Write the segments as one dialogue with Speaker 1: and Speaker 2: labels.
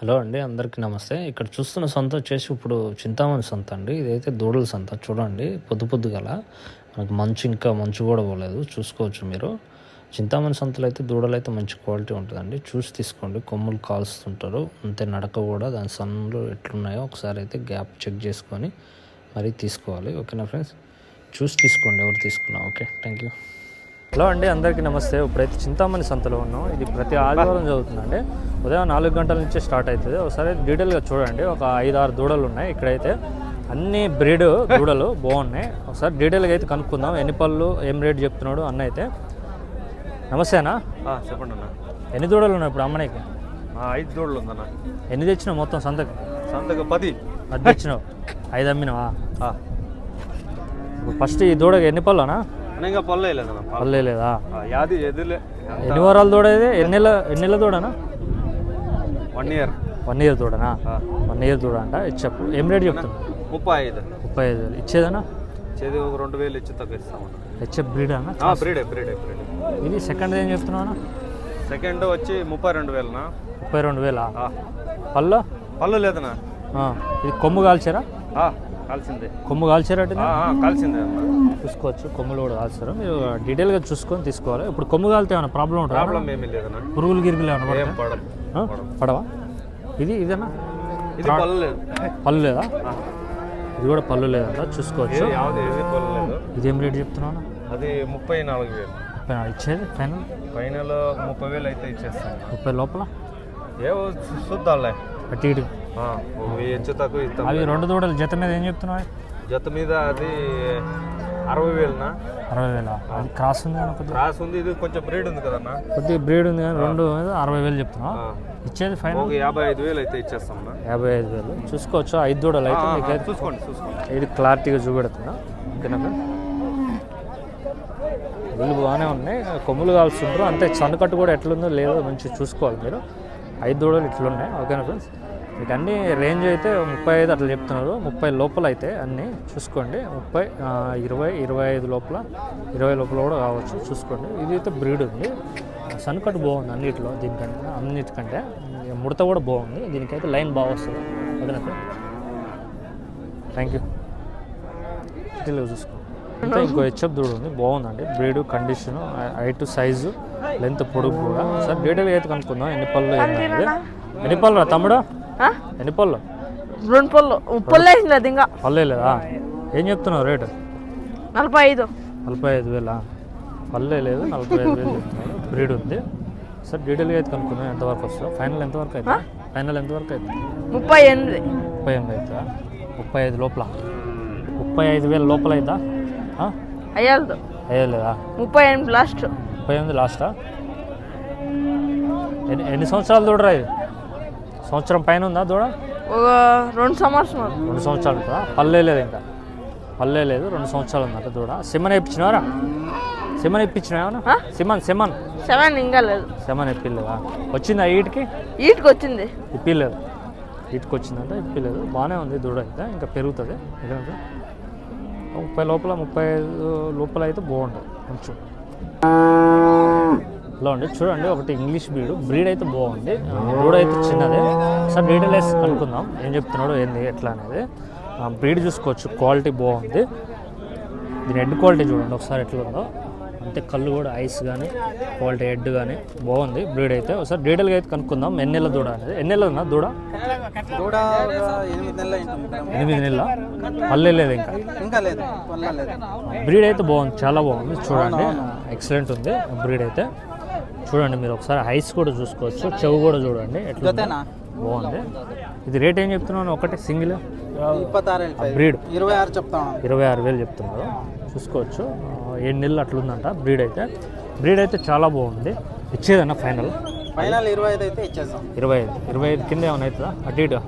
Speaker 1: Hello అండి, అందరికీ నమస్తే. ఇక్కడ చూస్తున్న సంత వచ్చేసి ఇప్పుడు చింతామణి సంత అండి. ఇదైతే దూడల సంత చూడండి. పొద్దు గల మనకు మంచు కూడా పోలేదు, చూసుకోవచ్చు మీరు. చింతామణి సంతలో అయితే దూడలు అయితే మంచి క్వాలిటీ ఉంటుందండి. చూసి తీసుకోండి. కొమ్ములు కాల్స్తుంటారు అంతే, నడక కూడా దాని సన్నులు ఎట్లున్నాయో ఒకసారి అయితే గ్యాప్ చెక్ చేసుకొని మరీ తీసుకోవాలి. ఓకేనా ఫ్రెండ్స్, చూసి తీసుకోండి ఎవరు తీసుకున్నా. Okay, thank you. హలో అండి, అందరికీ నమస్తే. ఇప్పుడైతే చింతామణి సంతలో ఉన్నాం. ఇది ప్రతి ఆదివారం జరుగుతుందండి. ఉదయం 4 గంటల నుంచే స్టార్ట్ అవుతుంది. ఒకసారి డీటెయిల్గా చూడండి. ఒక 5-6 దూడలు ఉన్నాయి ఇక్కడైతే. అన్ని బ్రీడ్ దూడలు బాగున్నాయి. ఒకసారి డీటెయిల్గా అయితే కనుక్కుందాం. ఎన్ని పళ్ళు, ఏం రేట్ చెప్తున్నాడు అన్న అయితే. నమస్తే అన్న.
Speaker 2: చెప్పండి అన్న.
Speaker 1: ఎన్ని దూడలు ఉన్నాయి ఇప్పుడు అమ్మనికి?
Speaker 2: 5 దూడలు ఉందన్న.
Speaker 1: ఎన్ని తెచ్చినావు మొత్తం సంతకు?
Speaker 2: 10
Speaker 1: తెచ్చినావు. 5 అమ్మినావా? ఫస్ట్ ఈ దూడకి ఎన్ని పళ్ళు అన్న?
Speaker 2: ఇంకా పల్లె
Speaker 1: లేదా?
Speaker 2: ఎన్ని
Speaker 1: వారాలు దూడ ఇది? ఎన్ని నెలల దూడనా?
Speaker 2: 1 ఇయర్.
Speaker 1: 1 ఇయర్ దూడనా? 1 ఇయర్ దూడ అంట. చెప్పు, ఏం రేట్ చెప్తున్నా? 35,000 ఇచ్చేదనా?
Speaker 2: ఇచ్చేది ఒక 2,000 ఇచ్చి తగ్గిస్తామన్నా.
Speaker 1: హెచ్ఎఫ్ బ్రీడ్ అన్న?
Speaker 2: బ్రీడ్.
Speaker 1: ఇది సెకండ్ ఏం చెప్తున్నావు?
Speaker 2: సెకండ్ వచ్చి 32,000.
Speaker 1: 32,000. పళ్ళు
Speaker 2: లేదనా?
Speaker 1: ఇది కొమ్ము కాల్చారా?
Speaker 2: కాల్సిందే.
Speaker 1: కొమ్ము కాల్చారా?
Speaker 2: కాల్సిందే
Speaker 1: చూసుకోవచ్చు. కొమ్ములు కూడా కాల్చారు. మీరు డీటెయిల్గా చూసుకొని తీసుకోవాలి. ఇప్పుడు కొమ్ము కాలితే ఏమైనా ప్రాబ్లం ఉంటుంది?
Speaker 2: ప్రాబ్లం ఏమీ లేదన్నా.
Speaker 1: పురుగులు గిరుగులు ఏమైనా పడవా? ఇదేనా?
Speaker 2: ఇది
Speaker 1: పళ్ళు లేదా? ఇది కూడా పళ్ళు లేదంట. చూసుకోవచ్చు. ఇదేం రేట్ చెప్తున్నాను?
Speaker 2: అది 34,000.
Speaker 1: ఇచ్చేది ఫైనల్
Speaker 2: 30,000 అయితే ఇచ్చేస్తాను.
Speaker 1: 30 లోపల
Speaker 2: ఏవో చూద్దాంలే.
Speaker 1: అటు ఇటు
Speaker 2: తక్కువ ఇస్తాం.
Speaker 1: అవి 2 దూడలు జత మీద ఏం చెప్తున్నావు?
Speaker 2: జత మీద అది 60,000.
Speaker 1: 60,000. అది క్రాస్ ఉంది కదా?
Speaker 2: క్రాస్ ఉంది. ఇది కొంచెం బ్రీడ్ ఉంది కదన్నా.
Speaker 1: కొద్దిగా బ్రీడ్ ఉంది కానీ 2 60,000 చెప్తున్నావు. ఇచ్చేది ఫైనల్
Speaker 2: 55,000 అయితే ఇచ్చేస్తాం.
Speaker 1: 55,000 చూసుకోవచ్చు. 5 దూడలు అయితే
Speaker 2: చూసుకోండి. ఇది
Speaker 1: క్లారిటీగా చూపెడుతున్నా. ఓకేనా? వీళ్ళు బాగానే ఉన్నాయి. కొమ్ములు కాల్స్తుంటారు అంతే. సన్నకట్టు కూడా ఎట్లుందో లేదో మంచిగా చూసుకోవాలి మీరు. 5 దూడలు ఇట్లున్నాయి. ఓకేనా ఫ్రెండ్స్, మీకు అన్ని రేంజ్ అయితే 35 అట్లా చెప్తున్నారు. 30 లోపల అయితే అన్నీ చూసుకోండి. 30, 20, 25 లోపల, 20 లోపల కూడా కావచ్చు. చూసుకోండి. ఇది అయితే బ్రీడ్ ఉంది. సన్కట్ బాగుంది అన్నిటికంటే. ముడత కూడా బాగుంది. దీనికైతే లైన్ బాగా వస్తుంది. ఓకేనా సార్, థ్యాంక్ యూ. డీటెయిల్గా చూసుకోండి. ఇంకా ఇంకో హెచ్ఎఫ్ దూడ ఉంది, బాగుందండి. Breed, condition, height, size, length, పొడుగు కూడా. సార్ డీటెయిల్గా అయితే కనుక్కుందాం. ఎన్ని పళ్ళు ఎన్ని పళ్ళు రా తమ్ముడు? ఎన్ని పళ్ళు?
Speaker 3: 2 పళ్ళు.
Speaker 1: పళ్ళే లేదా? ఏం చెప్తున్నావు రేటు?
Speaker 3: 45,000.
Speaker 1: పళ్ళే లేదు, 45,000 చెప్తున్నారు. బ్రీడ్ ఉంది. సార్ డీటెయిల్గా అయితే కనుక్కుందాం ఎంతవరకు వస్తుందో. ఫైనల్ ఎంతవరకు అవుతుంది?
Speaker 3: 38,000
Speaker 1: అవుతుందా? 35 లోపల, 35,000 లోపల అవుతా? అయ్యలేదా?
Speaker 3: 38 లాస్ట్.
Speaker 1: 38 లాస్టా? ఎన్ని సంవత్సరాలు దూడరా ఇది? సంవత్సరం పైన ఉందా దూడ?
Speaker 3: 2 సంవత్సరాలు.
Speaker 1: 2 సంవత్సరాలు ఉంటుందా? పల్లె లేదు, ఇంకా పల్లె లేదు. 2 సంవత్సరాలు ఉందంట దూడ. సిమన్ ఇప్పించినవారా? సిమన్ ఇప్పించినా? సెమన్
Speaker 3: ఇంకా లేదు.
Speaker 1: సెమన్ ఇప్పిలేదా? వచ్చిందా? ఈటికి
Speaker 3: వచ్చింది.
Speaker 1: ఇప్పిలేదు. ఈటికి వచ్చిందంట, ఇప్పిలేదు. బాగానే ఉంది దూడ అయితే, ఇంకా పెరుగుతుంది. 30 లోపల, 35 లోపల అయితే బాగుంటుంది కొంచెం. ఇలా అండి చూడండి. ఒకటి ఇంగ్లీష్ బ్రీడ్ అయితే బాగుంది. దూడ అయితే చిన్నదే. సార్ డీటెయిల్స్ కనుక్కుందాం. ఏం చెప్తున్నాడు, ఏంది, ఎట్లా అనేది. బ్రీడ్ చూసుకోవచ్చు. క్వాలిటీ బాగుంది. దీని హెడ్ క్వాలిటీ చూడండి ఒకసారి ఎట్లా ఉందో. అంతే కళ్ళు కూడా, ఐస్ కానీ, క్వాలిటీ హెడ్ కానీ బాగుంది. బ్రీడ్ అయితే ఒకసారి డీటెయిల్గా అయితే కనుక్కుందాం. ఎన్ని నెలల దూడ అనేది? ఎన్ని నెలలు ఉన్నా దూడ? 8 నెలల. పల్లె లేదు, ఇంకా లేదు. బ్రీడ్ అయితే బాగుంది, చాలా బాగుంది. చూడండి, ఎక్సలెంట్ ఉంది బ్రీడ్ అయితే. చూడండి మీరు ఒకసారి ఐస్ కూడా చూసుకోవచ్చు. చెవు కూడా చూడండి ఎట్లా బాగుంది. ఇది రేట్ ఏం చెప్తున్నాను? ఒకటి సింగిల్
Speaker 3: 26,000
Speaker 1: బ్రీడ్
Speaker 3: 26 చెప్తాను.
Speaker 1: 26,000 చెప్తున్నారు. చూసుకోవచ్చు. 7 నెలలు అట్లుందంట బ్రీడ్ అయితే. బ్రీడ్ అయితే చాలా బాగుంది. ఇచ్చేదన్న ఫైనల్
Speaker 3: 25 అయితే ఇచ్చేస్తాం.
Speaker 1: 25 కింద ఏమైనా అవుతుందా? అటు ఇటు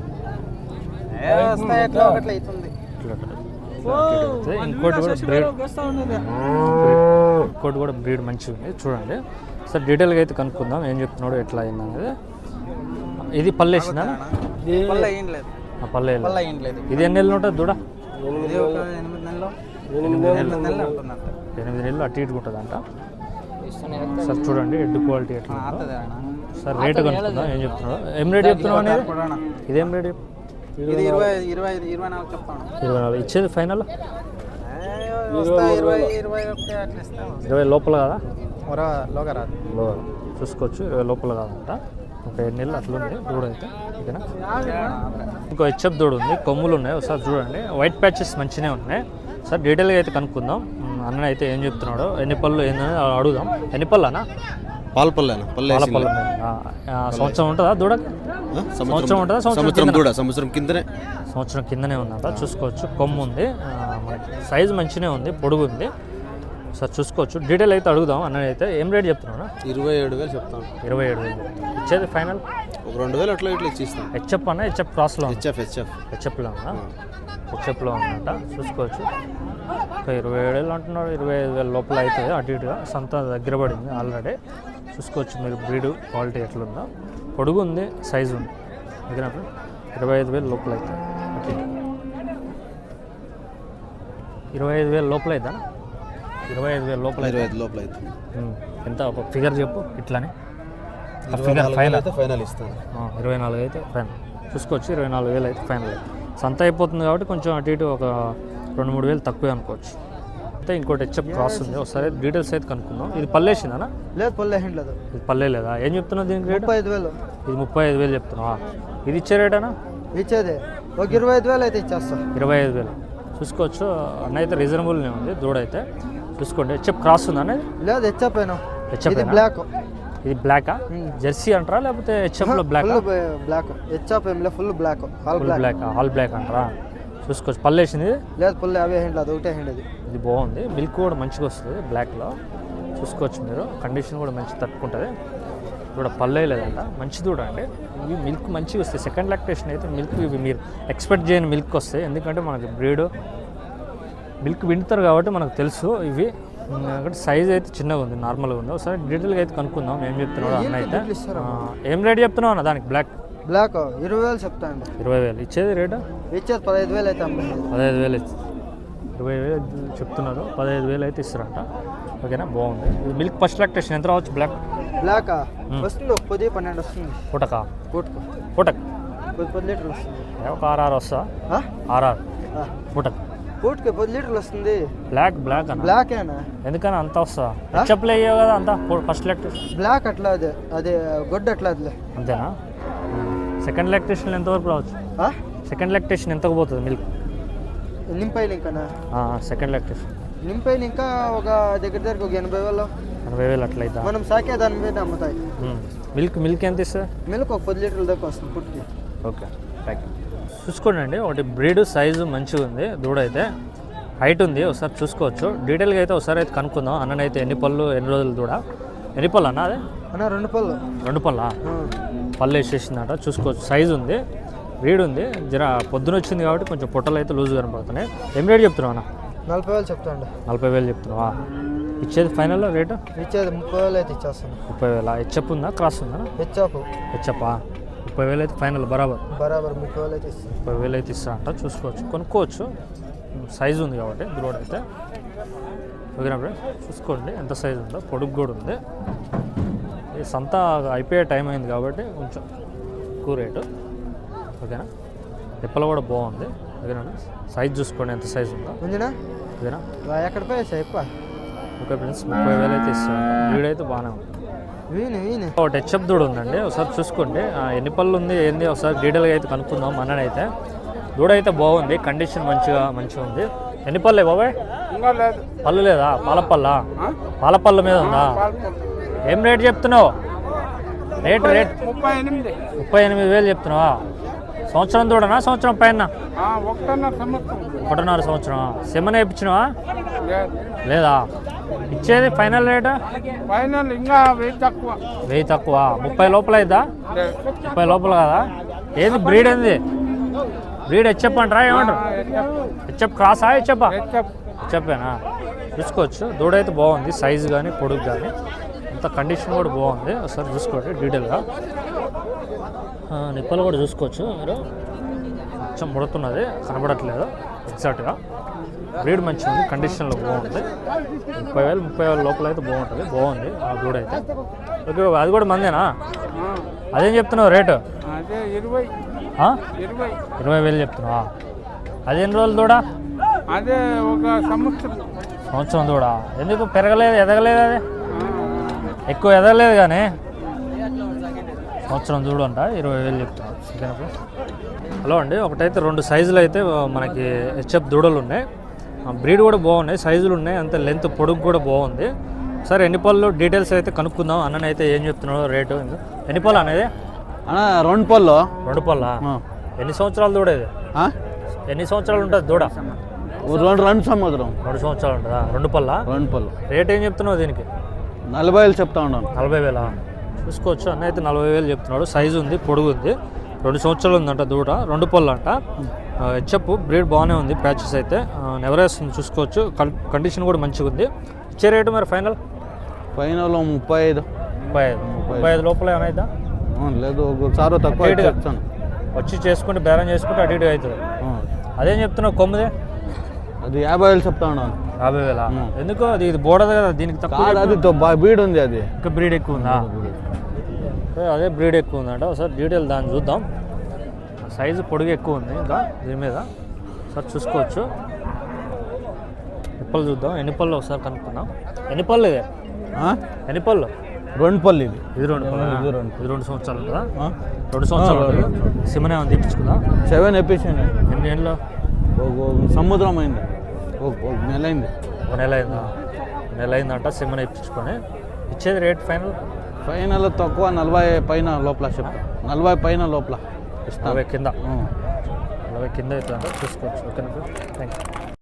Speaker 1: ఇంకోటి కూడా బ్రీడ్ మంచిగా ఉంది. చూడండి సార్ డీటెయిల్గా అయితే కనుక్కుందాం. ఏం చెప్తున్నాడు, ఎట్లా అయింది అనేది. ఇది పల్లెసిందా? పల్లె. ఇది ఎన్ని నెలలు ఉంటుంది దూడ? 8 నెలలు అటు ఇటు ఉంటుందంట. సార్ చూడండి హెడ్ క్వాలిటీ ఎట్లా ఉందో.
Speaker 3: అత్తదే అన్న.
Speaker 1: సార్ రేట్ కనుక్కుందాం, ఏం చెప్తున్నాడు, ఏం రేట్ చెప్తున్నావు అనేది,
Speaker 3: అన్న.
Speaker 1: ఇదేం రేట్
Speaker 3: ఇది 24 చెప్తాను.
Speaker 1: 24 ఇచ్చేది ఫైనల్
Speaker 3: వస్తా 21 అట్లా ఇస్తాను.
Speaker 1: 20 లోపల కదా,
Speaker 3: లోగా రాదు.
Speaker 1: చూసుకోవచ్చు 20 లోపల కాదంట. ఒక 7 నెలలు అట్లుంది దూడ అయితే. ఓకేనా, ఇంకో హెచ్ఎఫ్ దూడ ఉంది, కొమ్ములు ఉన్నాయి, ఒకసారి చూడండి. వైట్ ప్యాచెస్ మంచిగానే ఉన్నాయి. సార్ డీటెయిల్గా అయితే కనుక్కుందాం. అన్న అయితే ఏం చెప్తున్నాడు, ఎన్ని పళ్ళు ఏందని అడుగుదాం. ఎన్ని పళ్ళు అన్న?
Speaker 4: పాలపల్లెనా
Speaker 1: పాలపల్లి సంవత్సరం ఉంటుందా దూడకి? సంవత్సరం ఉంటుందా?
Speaker 4: సంవత్సరం కిందనే
Speaker 1: సంవత్సరం కిందనే ఉందంట. చూసుకోవచ్చు, కొమ్ము ఉంది, మనకి సైజు మంచిగానే ఉంది, పొడుగు ఉంది. సార్ చూసుకోవచ్చు. డీటెయిల్ అయితే అడుగుదాం. అన్న అయితే ఏం రేట్ చెప్తున్నాడు?
Speaker 4: 27,000 చెప్తాను.
Speaker 1: 27,000 ఇచ్చేది ఫైనల్
Speaker 4: ఒక 2,000 అట్లా ఇట్లా ఇచ్చిస్తాను.
Speaker 1: హెచ్ఎఫ్ అన్న, హెచ్ఎఫ్ క్రాస్లో హెచ్ఎఫ్లో ఉందా? హెచ్ఎఫ్లో ఉందంట. చూసుకోవచ్చు. ఒక 27,000 అంటున్నాడు. 25,000 లోపల అవుతుంది అటు ఇటుగా. సంత దగ్గర పడింది ఆల్రెడీ. చూసుకోవచ్చు మీరు బ్రీడ్ క్వాలిటీ ఎట్లుందో. పొడుగు ఉంది, సైజు ఉంది. ఓకేనా, 25,000 లోపల అవుతుంది. ఓకే, 25,000 లోపల అవుతా? 25,000 లోపల
Speaker 4: 25 లోపల అయితే
Speaker 1: ఎంత ఒక ఫిగర్ చెప్పు ఇట్లానే. ఫిగర్ ఫైనల్
Speaker 4: ఫైనల్ ఇస్తాను.
Speaker 1: 24 అయితే ఫైనల్. చూసుకోవచ్చు, 24,000 అయితే ఫైనల్. సంత అయిపోతుంది కాబట్టి కొంచెం అటు ఇటు ఒక 2-3 వేలు తక్కువే అనుకోవచ్చు. అయితే ఇంకోటి హెచ్ఎఫ్ క్రాస్ ఉంది, ఒకసారి డీటెయిల్స్ అయితే కనుక్కుందాం. ఇది పల్లేసిందా?
Speaker 3: లేదు పల్లె లేదు.
Speaker 1: ఇది పల్లె లేదా? ఏం చెప్తున్నావు దీనికి రేట్?
Speaker 3: 35,000
Speaker 1: ఇది 35,000 చెప్తున్నావా? ఇది ఇచ్చే రేటేనా?
Speaker 3: ఇచ్చేది ఒక 25,000 అయితే ఇచ్చేస్తాం.
Speaker 1: 25,000 చూసుకోవచ్చు. అన్న అయితే రీజనబుల్నే ఉంది దూడ అయితే. చూసుకోండి. హెచ్ఎఫ్ క్రాస్ ఉందా అనేది?
Speaker 3: లేదు హెచ్ఎఫ్
Speaker 1: హెచ్ఎఫ్
Speaker 3: బ్లాక్.
Speaker 1: ఇది బ్లాకా? జెర్సీ అంటారా లేకపోతే హెచ్ఎఫ్లో black?
Speaker 3: Black HF full black.
Speaker 1: Black all black అంటారా? చూసుకోవచ్చు. పల్లేసింది?
Speaker 3: లేదు పల్లె అవే హ్యాండ్ అది ఒకటే హ్యాండ్.
Speaker 1: ఇది బాగుంది, మిల్క్ కూడా మంచిగా వస్తుంది బ్లాక్లో. చూసుకోవచ్చు మీరు, కండిషన్ కూడా మంచి తట్టుకుంటుంది. కూడా పల్లె లేదంట, మంచి దూడ అండి. ఇవి మిల్క్ మంచిగా వస్తాయి. సెకండ్ లాక్టేషన్ అయితే మిల్క్ ఇవి మీరు ఎక్స్పెక్ట్ చేయని మిల్క్ వస్తాయి. ఎందుకంటే మనకి బ్రీడ్ మిల్క్ వింటారు కాబట్టి మనకు తెలుసు. ఇవి సైజ్ అయితే చిన్నగా ఉంది, నార్మల్గా ఉంది. ఒకసారి డీటెయిల్గా అయితే కనుక్కుందాం. ఏం చెప్తున్నాడు అన్న అయితే. ఏం రేట్ చెప్తున్నావు అన్న దానికి? బ్లాక్
Speaker 3: 20,000 చెప్తాను.
Speaker 1: 20,000 ఇచ్చేది రేటు?
Speaker 3: ఇచ్చేది 15,000 అయితే
Speaker 1: 15,000 20,000 చెప్తున్నారు. 15,000 అయితే ఇస్తారంట. ఓకేనా, బాగుంది. ఇది మిల్క్ ఫస్ట్ లాక్టేషన్ ఎంత రావచ్చు?
Speaker 3: బ్లాక్ వస్తుంది ఒక 10-12 వస్తుంది.
Speaker 1: పూటకా?
Speaker 3: పూటకు
Speaker 1: పూటకు
Speaker 3: 10 లీటర్లు వస్తుంది.
Speaker 1: ఒక 6 వస్తా? 6 పూటకు?
Speaker 3: పూటకి 10 లీటర్లు వస్తుంది.
Speaker 1: బ్లాక్ అన్న?
Speaker 3: బ్లాకేనా?
Speaker 1: ఎందుకని అంత వస్తా? హెచ్ఎఫ్లో అయ్యావు కదా అంతా ఫస్ట్ లాక్టేషన్.
Speaker 3: బ్లాక్ అట్లా అదే గొడ్డు అట్లా అదిలే.
Speaker 1: అంతేనా? సెకండ్ లాక్టేషన్ ఎంతవరకు రావచ్చు? సెకండ్ లాక్టేషన్ ఎంతకు పోతుంది మిల్క్?
Speaker 3: నింపైలు ఇంకానా?
Speaker 1: సెకండ్ లాక్టేషన్
Speaker 3: నింపైలు ఇంకా ఒక దగ్గర ఒక
Speaker 1: 80,000 అట్లా అవుతా.
Speaker 3: మనం సాకే దాని మీద అమ్ముతాయి.
Speaker 1: మిల్క్ ఎంత ఇస్తుంది?
Speaker 3: మిల్క్ ఒక 10 లీటర్ల దాకా వస్తుంది పుట్టికి.
Speaker 1: Okay, thank you. చూసుకోండి అండి, ఒకటి బ్రీడ్ సైజు మంచిగా ఉంది దూడ అయితే. హైట్ ఉంది, ఒకసారి చూసుకోవచ్చు. డీటెయిల్గా అయితే ఒకసారి అయితే కనుక్కుందాం. అన్ననైతే ఎన్ని పళ్ళు, ఎన్ని రోజులు దూడ, ఎన్ని పళ్ళు అన్న? అదే
Speaker 3: అన్న 2 పళ్ళు.
Speaker 1: 2 పళ్ళా? పళ్ళు వేసేసిందట. చూసుకోవచ్చు, సైజు ఉంది, బ్రీడ్ ఉంది. జర పొద్దున వచ్చింది కాబట్టి కొంచెం పొట్టలు అయితే లూజ్ కనపడుతున్నాయి. ఏం రేట్ చెప్తున్నావు అన్న?
Speaker 3: 40,000 చెప్తాండి.
Speaker 1: 40,000 చెప్తున్నావా? ఇచ్చేది ఫైనల్ రేటు?
Speaker 3: ఇచ్చేది 30,000 అయితే ఇచ్చేస్తాను.
Speaker 1: 30,000. హెచ్ఎఫ్ ఉందా, క్రాస్ ఉందా?
Speaker 3: హెచ్ఎఫ్.
Speaker 1: 30,000 అయితే ఫైనల్. బరాబర్
Speaker 3: 30,000 అయితే ఇస్తాను.
Speaker 1: 30,000 అయితే ఇస్తా అంట. చూసుకోవచ్చు, కొనుక్కోవచ్చు. సైజు ఉంది కాబట్టి దూడ అయితే. ఓకేనా ఫ్రెండ్స్, చూసుకోండి ఎంత సైజు ఉందో. పొడుగు కూడా ఉంది. ఈ సంత అయిపోయే టైం అయింది కాబట్టి కొంచెం ఎక్కువ రేటు. ఓకేనా, తిప్పలు కూడా బాగుంది. ఓకేనా, సైజ్ చూసుకోండి ఎంత సైజు ఉందో.
Speaker 3: ఉందినా?
Speaker 1: ఓకేనా,
Speaker 3: ఎక్కడ పోయేసా ఎక్కువ.
Speaker 1: ఓకే ఫ్రెండ్స్, 30,000 అయితే ఇస్తాను. వీడైతే బాగానే ఉంది. ఒకటి హెచ్ఎఫ్ దూడ ఉందండి, ఒకసారి చూసుకోండి. ఎన్ని పళ్ళు ఉంది ఏంది ఒకసారి డీటెయిల్గా అయితే కనుక్కుందాం. మననైతే దూడ అయితే బాగుంది, కండిషన్ మంచిగా ఉంది. ఎన్ని పళ్ళే బాబాయ్? పళ్ళు లేదా? పాలపళ్ళ మీద ఉందా? ఏం రేట్ చెప్తున్నావు? రేట్ 38,000 చెప్తున్నావా? సంవత్సరం దూడనా, సంవత్సరం పైన? 1.5 సంవత్సరం. సెమన వేయించినవా? లేదా? ఇచ్చేది ఫైనల్ రేటు?
Speaker 5: ఫైనల్ ఇంకా 1000
Speaker 1: తక్కువ. 30 లోపల అయిద్దా? 30 లోపల కదా? ఏంది బ్రీడ్? ఏంది బ్రీడ్? హెచ్ఎఫ్ అంటారా ఏమంటారు? హెచ్ఎఫ్ క్రాసా? హెచ్ఎఫేనా? చూసుకోవచ్చు, దూడ అయితే బాగుంది, సైజు కానీ పొడుగు కానీ అంత కండిషన్ కూడా బాగుంది. ఒకసారి చూసుకోండి డీటెయిల్గా. నిప్పలు కూడా చూసుకోవచ్చు మీరు. కొంచెం ముడుతున్నది, కనబడట్లేదు ఎగ్జాక్ట్గా. బ్రీడ్ మంచిగా ఉంది, కండిషన్లో బాగుంటుంది. 30,000 లోపల అయితే బాగుంది ఆ దూడ అయితే. ఓకే, అది కూడా మందేనా? అదేం చెప్తున్నావు రేటు?
Speaker 5: అదే 20.
Speaker 1: ఆ?
Speaker 5: 20.
Speaker 1: 20,000 చెప్తున్నావా? అది ఎన్ని రోజులు దూడ?
Speaker 5: అదే ఒక సంవత్సరం
Speaker 1: దూడ. ఎందుకు పెరగలేదు, ఎదగలేదు? అది ఎక్కువ ఎదగలేదు కానీ సంవత్సరం దూడ అంట. 20,000 చెప్తున్నాను. ఓకేనా ఫ్రెండ్స్? హలో అండి, ఒకటైతే 2 సైజులు అయితే మనకి హెచ్ఎఫ్ దూడలు ఉన్నాయి. బ్రీడ్ కూడా బాగున్నాయి, సైజులు ఉన్నాయి, అంతే లెంత్ పొడుగు కూడా బాగుంది. సరే ఎన్ని పళ్ళు డీటెయిల్స్ అయితే కనుక్కుందాం. అన్ననైతే ఏం చెప్తున్నాడు రేటు? ఎన్ని పళ్ళు అనేది?
Speaker 4: 2 పళ్ళు.
Speaker 1: 2 పళ్ళా? ఎన్ని సంవత్సరాలు దూడ ఇది? ఎన్ని సంవత్సరాలు ఉంటుంది దూడ?
Speaker 4: 2 సంవత్సరం.
Speaker 1: 2 సంవత్సరాలు ఉంటుందా? 2 పళ్ళా?
Speaker 4: 2 పళ్ళు.
Speaker 1: రేట్ ఏం చెప్తున్నావు దీనికి?
Speaker 4: 40,000 చెప్తా ఉన్నాను.
Speaker 1: 40,000 చూసుకోవచ్చు. అన్న అయితే 40,000 చెప్తున్నాడు. సైజు ఉంది, పొడుగు ఉంది, 2 సంవత్సరాలు ఉందంట దూడ, 2 పళ్ళు అంట. హెచ్ఎఫ్ బ్రీడ్ బాగానే ఉంది, ప్యాచెస్ అయితే నెవరేస్తుంది చూసుకోవచ్చు. కండిషన్ కూడా మంచిగా ఉంది. ఇచ్చే రేటు మరి ఫైనల్ 35 లోపల ఏమైందా?
Speaker 4: లేదు, ఒకసారి తక్కువ చెప్తాను.
Speaker 1: వచ్చి చేసుకుంటే బేరం చేసుకుంటే అటు ఇటు అవుతుంది. అదేం చెప్తున్నావు కొమ్ముదే?
Speaker 4: అది 50,000 చెప్తా ఉన్నాను.
Speaker 1: 50,000 ఎందుకు? అది ఇది బోడదు కదా, దీనికి తక్కువ.
Speaker 4: అది బ్రీడ్ ఉంది, అది
Speaker 1: ఇంకా బ్రీడ్ ఎక్కువ ఉందా? అదే బ్రీడ్ ఎక్కువ ఉందంట. ఒకసారి డీటెయిల్ దాన్ని చూద్దాం. సైజు పొడుగు ఎక్కువ ఉంది ఇంకా దీని మీద. ఒకసారి చూసుకోవచ్చు. నిప్పలు చూద్దాం, ఎన్ని పళ్ళు ఒకసారి కనుక్కుందాం. ఎన్ని పళ్ళు ఇది? ఎన్ని పళ్ళు?
Speaker 4: 2 పళ్ళు. ఇది
Speaker 1: 2 పళ్ళు. ఇది 2 సంవత్సరాలు కదా? 2 సంవత్సరాలు. సిమనే ఉంది, తీపించుకుందాం.
Speaker 4: 7 ఎపిసోడ్.
Speaker 1: ఎన్ని ఏళ్ళు?
Speaker 4: సముద్రం అయింది, ఒక నెల అయింది.
Speaker 1: 1 నెల అయిందా? 1 నెల అయిందంట. సిమనే ఇప్పించుకొని ఇచ్చేది రేట్ ఫైనల్
Speaker 4: తక్కువ 40 పైన లోపల చెప్తా. 40 పైన లోపల ఇస్తాను.
Speaker 1: 40 కింద. 40 కింద అవుతుందంట. చూసుకోవచ్చు. ఓకేనా? Thank you.